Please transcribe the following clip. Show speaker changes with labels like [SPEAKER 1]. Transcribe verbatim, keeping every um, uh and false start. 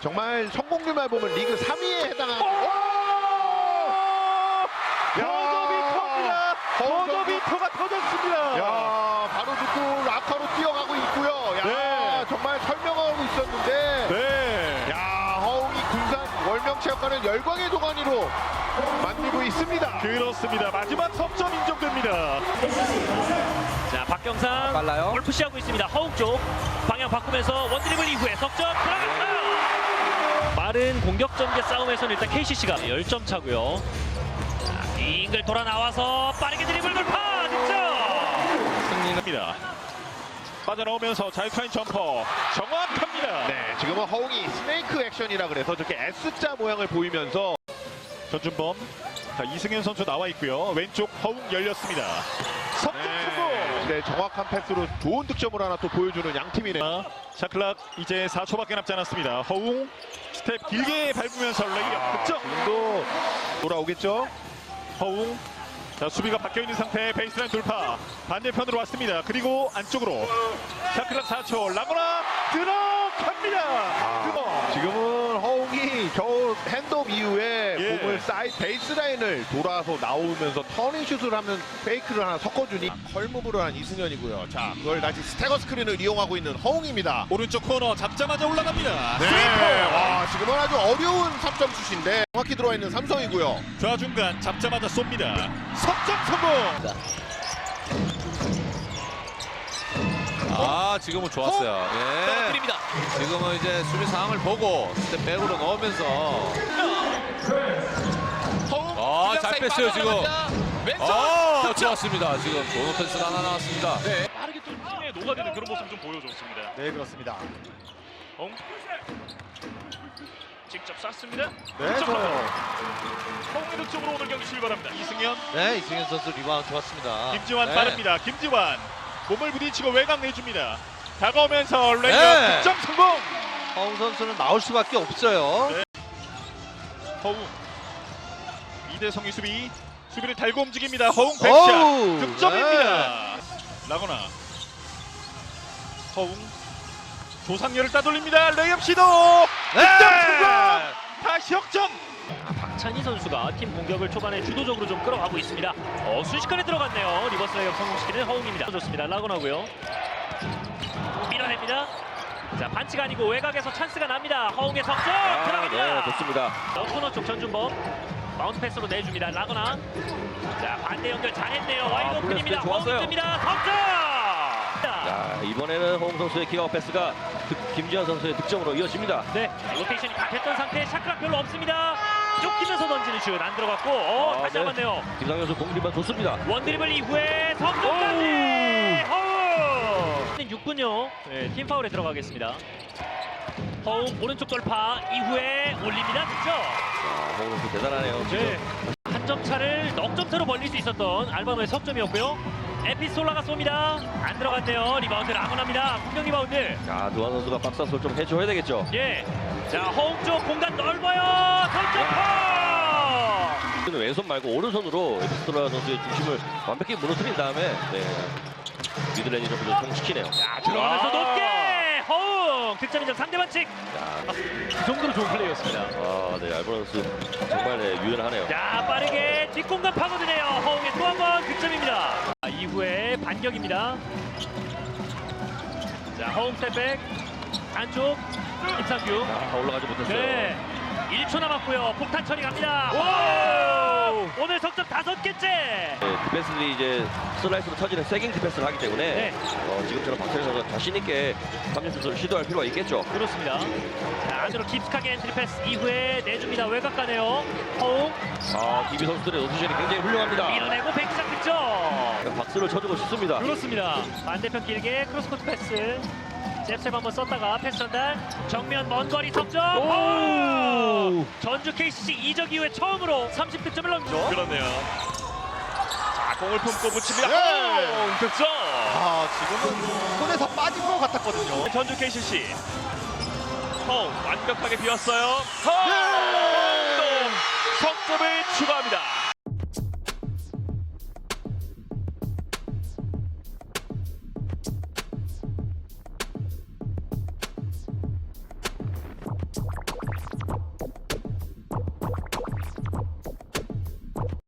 [SPEAKER 1] 정말 성공률만 보면 리그 삼 위에 해당하는.
[SPEAKER 2] 버저비터입니다. 버저비터가 터졌습니다.
[SPEAKER 1] 야, 바로 듣고 라카로 뛰어가고 있고요. 야,
[SPEAKER 2] 네.
[SPEAKER 1] 정말 설명하고 있었는데.
[SPEAKER 2] 네.
[SPEAKER 1] 야, 허웅이 군산 월명체육관을 열광의 도가니로 만들고 있습니다.
[SPEAKER 2] 그렇습니다. 마지막 석점 인정됩니다.
[SPEAKER 3] 자, 박경상
[SPEAKER 4] 빨라요.
[SPEAKER 3] 볼 푸시하고 있습니다. 허웅 쪽 방향 바꾸면서 원드리블 이후에 석점 들어갔어요. 빠른 공격 전개 싸움에서는 일단 케이씨씨가 열 점 차고요. 자, 빙글 돌아 나와서 빠르게 드리블 돌파 득점.
[SPEAKER 2] 승리합니다. 빠져나오면서 자유투인 점퍼 정확합니다.
[SPEAKER 1] 네, 지금은 허웅이 스네이크 액션이라 그래서 저렇게 S자 모양을 보이면서
[SPEAKER 2] 전준범, 자, 이승현 선수 나와 있고요. 왼쪽 허웅 열렸습니다. 석점 성공.
[SPEAKER 1] 네, 네, 정확한 패스로 좋은 득점을 하나 또 보여주는 양 팀이네요.
[SPEAKER 2] 샤클락 이제 사 초밖에 남지 않았습니다. 허웅 스텝 길게 밟으면서 레이업 득점.
[SPEAKER 1] 지금도 돌아오겠죠?
[SPEAKER 2] 허웅, 자, 수비가 바뀌어 있는 상태. 베이스라인 돌파 반대편으로 왔습니다. 그리고 안쪽으로 샤클락 사 초 라거나 들어갑니다.
[SPEAKER 1] 아, 지금은 허웅이 겨우 핸드업 이후에
[SPEAKER 2] 예.
[SPEAKER 1] 공을 사이 베이스라인을 돌아서 나오면서 터닝슛을 하면 페이크를 하나 섞어주니 컬무브를 한 이승현이고요. 자, 그걸 다시 스태거 스크린을 이용하고 있는 허웅입니다.
[SPEAKER 2] 오른쪽 코너 잡자마자 올라갑니다.
[SPEAKER 1] 네, 와, 지금은 아주 어려운 삼 점 슛인데 정확히 들어와 있는 삼성이고요.
[SPEAKER 2] 좌중간 잡자마자 쏩니다. 석점 성공.
[SPEAKER 4] 아, 지금은 좋았어요. 예.
[SPEAKER 3] 떨어뜨립니다.
[SPEAKER 4] 지금은 이제 수비 상황을 보고 스텝 백으로 넣으면서
[SPEAKER 3] 허웅
[SPEAKER 4] 아, 잘 뺐어요, 지금.
[SPEAKER 3] 왼쪽
[SPEAKER 4] 아,
[SPEAKER 3] 득점.
[SPEAKER 4] 좋았습니다. 지금 좋은 패스가 하나 나왔습니다.
[SPEAKER 3] 네. 빠르게 좀 팀에 녹아드는 그런 모습 좀 보여줬습니다.
[SPEAKER 1] 네, 그렇습니다.
[SPEAKER 3] 허웅 직접 쐈습니다.
[SPEAKER 1] 네,
[SPEAKER 3] 득점
[SPEAKER 1] 좋아요.
[SPEAKER 2] 허웅의 득점으로 오늘 경기 출발합니다. 이승현,
[SPEAKER 4] 네, 이승현 선수 리바운드 좋았습니다.
[SPEAKER 2] 김지환
[SPEAKER 4] 네.
[SPEAKER 2] 빠릅니다. 김지환 몸을 부딪히고 외곽 내줍니다. 다가오면서 레이업
[SPEAKER 4] 네.
[SPEAKER 2] 득점 성공.
[SPEAKER 4] 허웅 선수는 나올 수밖에 없어요.
[SPEAKER 2] 네. 허웅 이대성의 수비 수비를 달고 움직입니다. 허웅 백샷
[SPEAKER 4] 오우,
[SPEAKER 2] 득점입니다. 라거나 허웅 조상렬을 따돌립니다. 레이업 시도 득점 성공. 다시 역전.
[SPEAKER 3] 박찬희 선수가 팀 공격을 초반에 주도적으로 좀 끌어가고 있습니다. 어, 순식간에 들어갔네요. 리버스 레이업 성공시키는 허웅입니다. 좋습니다. 라거나고요. 밀어냅니다. 자, 반칙 아니고 외곽에서 찬스가 납니다. 허웅의 석점 들어갑니다.
[SPEAKER 4] 네, 좋습니다.
[SPEAKER 3] 어, 코너 쪽 전준범 마운트 패스로 내줍니다. 라거나. 자, 반대 연결 잘했네요. 와이드 오픈입니다.
[SPEAKER 4] 플레이 좋았어요.
[SPEAKER 3] 허웅입니다. 석점.
[SPEAKER 5] 자, 이번에는 허웅 선수의 기가 패스가 득- 김지현 선수의 득점으로 이어집니다.
[SPEAKER 3] 네, 로테이션이 다 됐던 상태. 샤크락 별로 없습니다. 쫓기면서 던지는 슛 안 들어갔고, 어,
[SPEAKER 5] 아,
[SPEAKER 3] 다시
[SPEAKER 5] 네.
[SPEAKER 3] 잡았네요.
[SPEAKER 5] 김상현 선수 공리만 좋습니다.
[SPEAKER 3] 원드리블 이후에 석점까지 허웅. 육 분요. 네, 팀 파울에 들어가겠습니다. 허웅 오른쪽 돌파 이후에 올립니다. 득점.
[SPEAKER 5] 자, 허웅 선수 대단하네요. 지금.
[SPEAKER 3] 네. 한 점 차를 넉 점 차로 벌릴 수 있었던 알바노의 석점이었고요. 에피솔라가 쏩니다. 안 들어갔네요. 리바운드 라거나입니다. 분명 리바운드.
[SPEAKER 5] 자, 두한 선수가 박스 한솔 좀 해줘야 되겠죠.
[SPEAKER 3] 예. 자, 허웅 쪽 공간 넓어요. 석점퍼.
[SPEAKER 5] 는 왼손 말고 오른손으로 에피스토라 선수의 중심을 완벽히 무너뜨린 다음에 네, 미들레인지 점프를 성공시키네요.
[SPEAKER 3] 자, 들어가면서 높게 허웅 득점 인정 삼 대 반칙.
[SPEAKER 5] 자,
[SPEAKER 3] 그 정도로 좋은 플레이였습니다.
[SPEAKER 5] 아, 네, 알보라 선수 정말 네, 유연하네요.
[SPEAKER 3] 자, 빠르게 뒷공간 파고드네요. 허웅의 또 한 번 득점입니다. 자, 이후에 반격입니다. 자, 허웅 스텝백 안쪽 임상규.
[SPEAKER 5] 아, 올라가지 못했어요.
[SPEAKER 3] 네. 일 초 남았고요. 폭탄 처리 갑니다. 오! 오늘 석점 다섯 개째.
[SPEAKER 5] 네, 디펜스들이 이제 슬라이스로 터지는 세깅 디펜스를 하기 때문에
[SPEAKER 3] 네.
[SPEAKER 5] 어, 지금처럼 박찬희 선수가 자신 있게 삼 점 슛을 시도할 필요가 있겠죠.
[SPEAKER 3] 그렇습니다. 자, 안으로 깊숙하게 엔트리 패스 이후에 내줍니다. 외곽 가네요. 허웅
[SPEAKER 5] 아, 디비 선수들의 로테이션이 굉장히 훌륭합니다.
[SPEAKER 3] 밀어내고 백시작 득점.
[SPEAKER 5] 박수를 쳐주고 싶습니다.
[SPEAKER 3] 그렇습니다. 반대편 길게 크로스코트 패스. 잽셉 한번 썼다가 패스 전달. 정면 먼 거리 석점. 오! 전주 케이씨씨 이적 이후에 처음으로 삼십 득점을 넘죠.
[SPEAKER 2] 그렇네요. 자, 공을 품고 붙입니다.
[SPEAKER 1] 네.
[SPEAKER 2] 허웅 득점.
[SPEAKER 1] 아, 지금은 손에서 빠진 것 같았거든요.
[SPEAKER 2] 전주 케이씨씨 허웅 완벽하게 비웠어요.
[SPEAKER 1] 네.
[SPEAKER 2] 허웅 또 석점을 추가합니다.